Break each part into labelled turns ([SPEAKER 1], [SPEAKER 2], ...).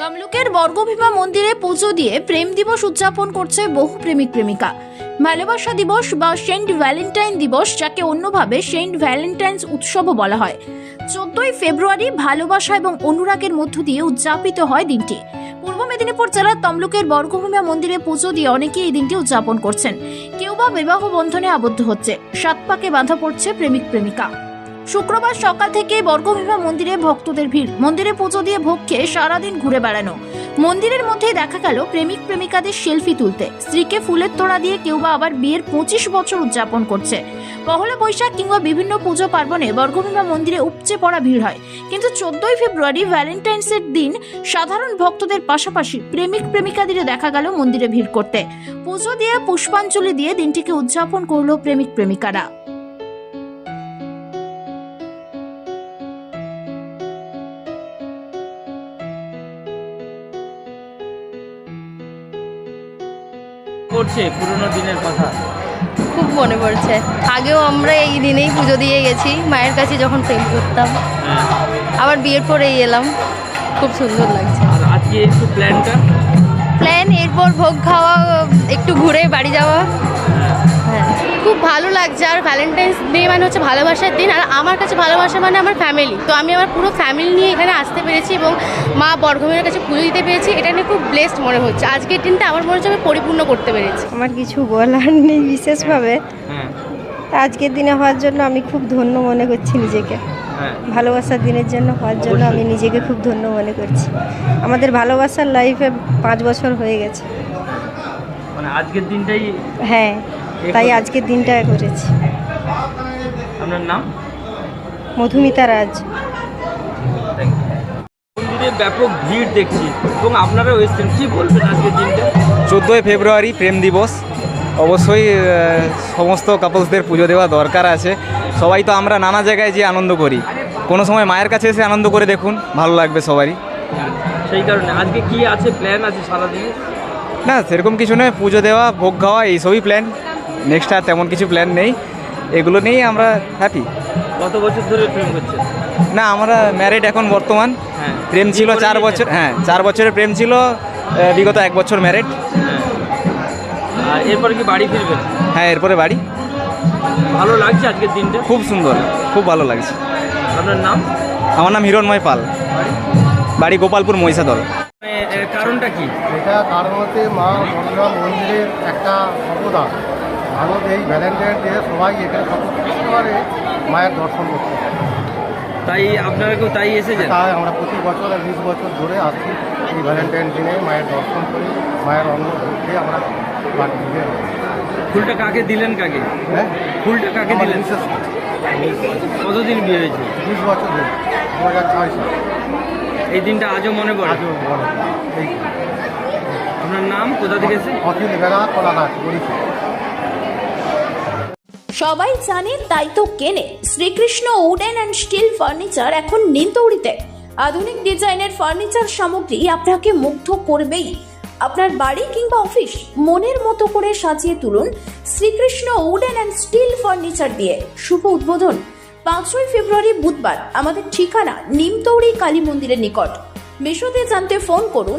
[SPEAKER 1] তমলুকের বর্গভীমা মন্দিরে পুজো দিয়ে প্রেম দিবস উদযাপন করছে বহু প্রেমিক প্রেমিকা। ভালোবাসা দিবস বা সেন্ট ভ্যালেন্টাইন দিবস, যাকে অন্যভাবে সেন্ট ভ্যালেন্টাইন্স উৎসবও বলা হয়, 14ই ফেব্রুয়ারি ভালোবাসা এবং অনুরাগের মধ্য দিয়ে উদযাপিত হয় দিনটি। পূর্ব মেদিনীপুর জেলার তমলুকের বর্গভীমা মন্দিরে পুজো দিয়ে অনেকেই এই দিনটি উদযাপন করছেন। কেউ বা বিবাহ বন্ধনে আবদ্ধ হচ্ছে, সাত পাকে বাঁধা পড়ছে প্রেমিক প্রেমিকা। শুক্রবার সকাল থেকে বর্গভীমা মন্দিরে ভক্তদের ভিড়। মন্দিরে পুজো দিয়ে ভোগ খেয়ে সারাদিন ঘুরে বেড়ানো। মন্দিরের মধ্যেই দেখা গেল প্রেমিক প্রেমিকাদের সেলফি তুলতে, স্ত্রীকে ফুলের তোড়া দিয়ে কেউ বা আবার বিয়ের 25 বছর উদযাপন করছে। পহেলা বৈশাখ কিংবা বিভিন্ন পুজো পার্বণে বর্গভীমা মন্দিরে উপচে পড়া ভিড় হয়, কিন্তু 14ই ফেব্রুয়ারি ভ্যালেন্টাইন্সের দিন সাধারণ ভক্তদের পাশাপাশি প্রেমিক প্রেমিকাদের দেখা গেল মন্দিরে ভিড় করতে। পুজো দিয়ে পুষ্পাঞ্জলি দিয়ে দিনটিকে উদযাপন করলো প্রেমিক প্রেমিকারা।
[SPEAKER 2] পড়ছে পুরোনো দিনের কথা।
[SPEAKER 3] খুব মনে পড়ছে। আগেও আমরা এই দিনেই পুজো দিয়ে গেছি মায়ের কাছে যখন প্রেম করতাম। আবার বিয়ের পরেই এলাম, খুব সুন্দর লাগছে।
[SPEAKER 2] আর আজকে একটু
[SPEAKER 3] প্ল্যান এরপর ভোগ খাওয়া, একটু ঘুরে বাড়ি যাওয়া। হ্যাঁ, খুব ভালো লাগছে। আর ভ্যালেন্টাইন্স ডে মানে হচ্ছে ভালোবাসার দিন, আর আমার কাছে ভালোবাসা মানে আমার ফ্যামিলি। তো আমি আমার পুরো ফ্যামিলি নিয়ে এখানে আসতে পেরেছি এবং মা বর্গভীমের কাছে পুজো দিতে পেরেছি। এটা নিয়ে খুব ব্লেসড মনে হচ্ছে। আজকের দিনটা আমার মনে হচ্ছে আমি পরিপূর্ণ করতে পেরেছি।
[SPEAKER 4] আমার কিছু বলার নেই বিশেষভাবে। আজকের দিনে হওয়ার জন্য আমি খুব ধন্য মনে করছি নিজেকে। ভালোবাসার দিনের জন্য হওয়ার জন্য আমি নিজেকে খুব ধন্য মনে করছি। আমাদের ভালোবাসার লাইফে 5 বছর হয়ে গেছে।
[SPEAKER 2] মানে আজকের দিনটাই।
[SPEAKER 4] হ্যাঁ, তাই আজকের দিনটা করেছি।
[SPEAKER 2] আপনার নাম?
[SPEAKER 4] মধুমিতা রাজ।
[SPEAKER 2] মন্দিরে ব্যাপক ভিড় দেখছি এবং আপনারাও এসেছেন, কি বলবেন আজকের দিনটা?
[SPEAKER 5] 14ই ফেব্রুয়ারি প্রেম দিবস। অবশ্যই সমস্ত কাপলসদের পুজো দেওয়া দরকার আছে। সবাই তো আমরা নানা জায়গায় যে আনন্দ করি, কোনো সময় মায়ের কাছে এসে আনন্দ করে দেখুন, ভালো লাগবে সবারই।
[SPEAKER 2] সেই কারণে আজকে কি আছে, প্ল্যান আছে সারাদিনে?
[SPEAKER 5] না, সেরকম কিছু নয়, পুজো দেওয়া, ভোগ খাওয়া, এইসবই প্ল্যান। নেক্সট আর তেমন কিছু প্ল্যান নেই, এগুলো নিয়েই আমরা হ্যাপি।
[SPEAKER 2] কত বছর ধরে প্রেম করছেন?
[SPEAKER 5] না, আমরা ম্যারিড এখন বর্তমান। প্রেম ছিল 4 বছর। হ্যাঁ, 4 বছরের প্রেম ছিল, বিগত 1 বছর ম্যারিড।
[SPEAKER 2] আর এরপরে কি বাড়ি ফিরবেন?
[SPEAKER 5] হ্যাঁ, এরপরে বাড়ি।
[SPEAKER 2] ভালো লাগছে আজকের দিনটা?
[SPEAKER 5] খুব সুন্দর, খুব ভালো লাগছে।
[SPEAKER 2] আপনার নাম?
[SPEAKER 5] আমার নাম হিরণময় পাল, বাড়ি গোপালপুর মহিষাদল।
[SPEAKER 2] কারণটা কি?
[SPEAKER 6] এটা কারণ হচ্ছে মা বর্গভীমা মন্দিরের একটা অবদান। ভারত এই ভ্যালেন্টাইন ডে সবাই এখানে সকল পারে মায়ের দর্শন করতে।
[SPEAKER 2] তাই আপনারা কেউ তাই এসেছেন?
[SPEAKER 6] তাই আমরা প্রতি বছর 20 বছর ধরে আসছি এই ভ্যালেন্টাইন দিনে মায়ের দর্শন করি, মায়ের অন্ন ভোগ আমরা বাড়ি দিয়ে।
[SPEAKER 2] ফুলটা কাকে দিলেন?
[SPEAKER 6] হ্যাঁ,
[SPEAKER 2] ফুলটা কাকে দিলেন?
[SPEAKER 6] বিশেষ
[SPEAKER 2] কতদিন বিয়ে হয়েছে?
[SPEAKER 6] 20 বছর ধরে, 2006 সাল।
[SPEAKER 2] এই দিনটা আজও মনে পড়ে?
[SPEAKER 6] আজও মনে পড়ে। এই
[SPEAKER 2] আপনার নাম, কোথা থেকে এসে?
[SPEAKER 6] অখিল বেলা কলাঘাট বরিশাল।
[SPEAKER 1] সবাই জানে তাই তো কেনে Srikrishna wooden and steel furniture এখন নিমতৌড়িতে। আধুনিক ডিজাইনের ফার্নিচার সামগ্রী আপনাকে মুগ্ধ করবেই। আপনার বাড়ি কিংবা অফিস মনের মতো করে সাজিয়ে তুলুন Srikrishna wooden and steel furniture দিয়ে। শুভ উদ্বোধন 5ই ফেব্রুয়ারি বুধবার। আমাদের ঠিকানা নিমতৌড়ি কালী মন্দিরের নিকট। বিশদে জানতে ফোন করুন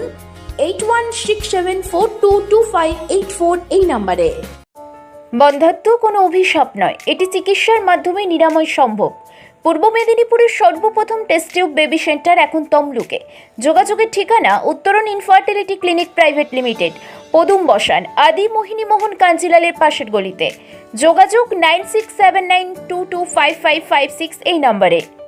[SPEAKER 1] 8167422584 এই নাম্বারে। বন্ধ্যাত্ব কোনো অভিশাপ নয়, এটি চিকিৎসার মাধ্যমে নিরাময় সম্ভব। পূর্ব মেদিনীপুরের সর্বপ্রথম টেস্ট টিউব বেবি সেন্টার এখন তমলুকে। যোগাযোগের ঠিকানা উত্তরণ ইনফার্টিলিটি ক্লিনিক প্রাইভেট লিমিটেড, পদুম বসান, আদি মোহিনী মোহন কাঞ্জিলালের পাশের গলিতে। যোগাযোগ 9679225556 এই নম্বরে।